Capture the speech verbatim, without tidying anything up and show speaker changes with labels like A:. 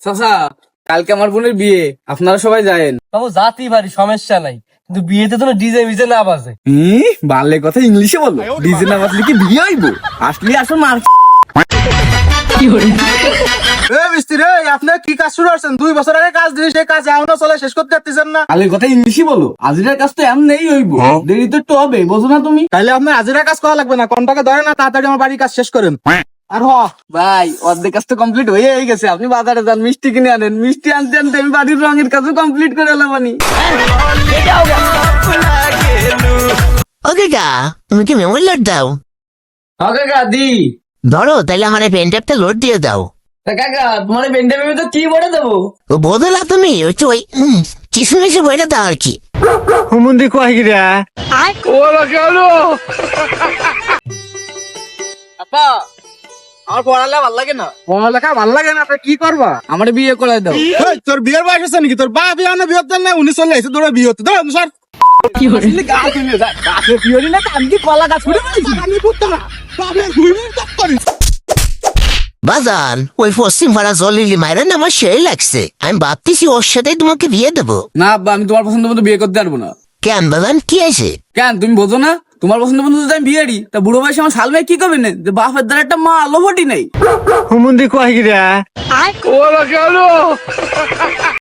A: চাচা কালকে আমার বোনের বিয়ে, আপনারা সবাই যায়েন।
B: বাবু জাতি ভারী সমস্যা নাই, কিন্তু বিয়েতে তো ডিজে মিজে না বাজে।
A: হুম, বাংলা কথা ইংলিশে বলো। ডিজে না বাজলে কি বিয়ে হইব? আসলে আসল মার
C: মিস্ত্রি আপনার কি কাজ শুরু করছেন? দুই বছর আগে কাজ দিয়ে সেই কাজ এখনো চলে, শেষ করতে পারতেছেন না।
A: বাংলা কথা ইংলিশে বলো। আজিরার কাজ তো এমনি হইব, দেরি তো একটু হবে, বোঝো না তুমি?
C: তাহলে আপনার হাজিরা কাজ করা লাগবে না, কন্টাকে ধরে না, তাড়াতাড়ি আমার বাড়ির কাজ শেষ করেন। আর হ
A: ভাই অর্ধেক কাজ তো কমপ্লিট হয়ে গেছে, আপনি বাজারে যান, মিষ্টি কিনে আনেন। মিষ্টি আনতে আনতে আমি বাড়ির রঙের কাজও কমপ্লিট করে এলাম।
D: ওকে গা, তুমি কি মেমোরি লোড দাও?
A: হবে গাদি
D: ধরো তাইলে আমার পেন ট্যাপটা লোড দিয়ে দাও।
A: কাকা, তোমার বেন্ডে বেবি তো কি বলে দেবো?
D: ও বদলা তুমি ওই তো ওই উম, কিশমিশে বইটা দাও আর কি।
C: হুমুন্দি কয় গিরা
A: আপা, আমার পড়ালে ভালো লাগে না।
C: পড়ালেখা ভালো লাগে না, আপনি কি করবা?
A: আমার বিয়ে করে দাও।
C: এই, তোর বিয়ের বয়স আছে নাকি? তোর বাপ বিয়ে না বিয়ে হতেন না, উনি চলে এসে তোর বিয়ে হতে ধর স্যার।
A: আসলে গাছ হইলে যায়, গাছের বিয়ে হইলে না তো আমি কি কলা গাছ করে ফেলেছি?
C: আমি করতে না, বাপের দুই মিনিট তপ করিস।
D: বাজান ওই পশ্চিম পাড়া জলিলি মায়ের না আমার সেই লাগছে, আমি ভাবতেছি ওর সাথেই তোমাকে বিয়ে দেবো।
A: না আব্বা, আমি তোমার পছন্দ মতো বিয়ে করতে পারবো না।
D: কেন বাজান কি আছে?
A: কেন তুমি বোঝো না? তোমার পছন্দ মতো যদি আমি বিয়ে দিই, তা বুড়ো বয়সে আমার শাল মেয়ে কি করবে না? যে বাপের দ্বারা একটা মা আলো ফটি নেই।
C: হুমুন্দি কয় গিরা